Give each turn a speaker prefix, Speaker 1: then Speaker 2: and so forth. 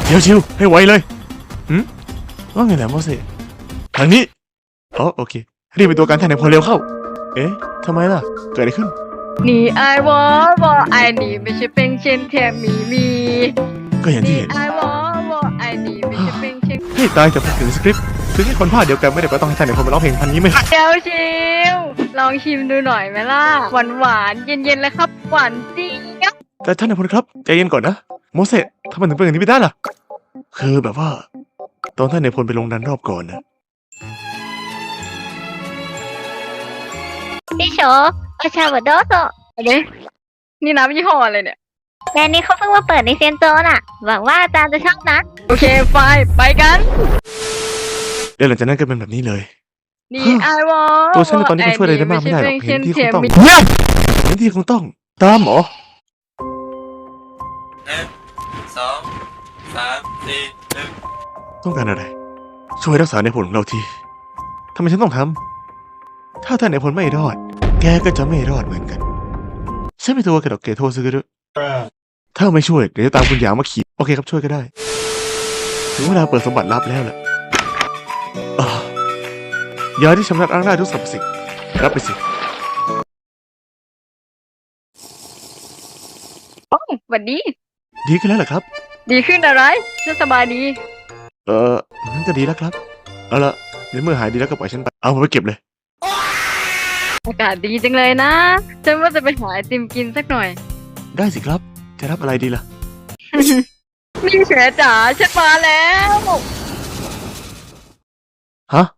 Speaker 1: เดี๋ยวชิวให้ไวเลยว่าไงนะโมเสสทางนี้อ๋อโอเครีบไปตัวการแทนในพลเร็วเข้าเอ๊ะทำไมล่ะเกิดอะไรขึ้น
Speaker 2: 你爱我，我爱你，ไม่ใช่เป็นเช่นแค่มี
Speaker 1: ก็อย่างที่เห็น
Speaker 2: 你爱我，我爱你ไม่ใช่เป็นเช่น
Speaker 1: ให้ตายแต่พูดถึงสคริปต์ถึงให้คนภาคเดียวกันไม่ได้ก็ต้องให้ท่านในคนมาร้องเพลงพันนี้ไม่ได้
Speaker 2: เดี๋ยวชิวลองชิมดูหน่อยไหมล่ะ หวานหวานเย็นเย็นๆเลยครับ หวานเจี๊ยบ
Speaker 1: แต่ท่านในพลครับใจเย็นก่อนนะโมเสสทำไมถึงเป็นอย่างนี้ไม่ได้ล่ะคือแบบว่าตอนท่านในพลไปลงดันรอบก่อนนะ
Speaker 3: พี่โฉอาชาบดโดโซ
Speaker 2: อะไรนี่น้ำยี่ห้ออะไรเนี่ย
Speaker 3: แบรนด์นี้เขาเพิ่งมาเปิดในเซียนโจน่ะ หวังว่าอาจารย์จะชอบนะ
Speaker 2: โอเคไปกัน
Speaker 1: เดี๋ยวหลังจากนั้นก็เป็นแบบนี้เลย
Speaker 2: 你爱我
Speaker 1: ตัวฉันในตอนนี้ก็ช่วยอะไรได้มากไม่ได้หรอกเห็นที่คงต้องเห็นที่คงต้องตามหมอ
Speaker 4: 1 2 3 4 1
Speaker 1: ต้องการอะไร ช่วยรักษาในผลของเราทีทำไมฉันต้องทำถ้าท่านในผลไม่รอด แกก็จะไม่รอดเหมือนกันฉันไม่ตัวกระดอกเกโทซึกรุถ้าไม่ช่วยเดี๋ยวจะตามคุณหยางมาขี่โอเคครับช่วยก็ได้ถึงเวลาเปิดสมบัติลับแล้วล่ะยาที่ชำระล้างได้ทุกสรรพสิ่งรับไปสิ
Speaker 2: สวัสดี
Speaker 1: ดีขึ้นแล้วเหรอครับ
Speaker 2: ดีขึ้นอะไรฉันสบายดี
Speaker 1: งั้นก็ดีแล้วครับเอาละเดี๋ยวเมื่อหายดีแล้วก็ปล่อยฉันไปเอาไปเก็บเลย
Speaker 2: อากาศดีจังเลยนะฉันว่าจะไปหาไอติมกินสักหน่อย
Speaker 1: ได้สิครับจะรับอะไรดีล่ะ
Speaker 2: นี่เฉยจ๋าฉันมาแล้ว
Speaker 1: ฮะ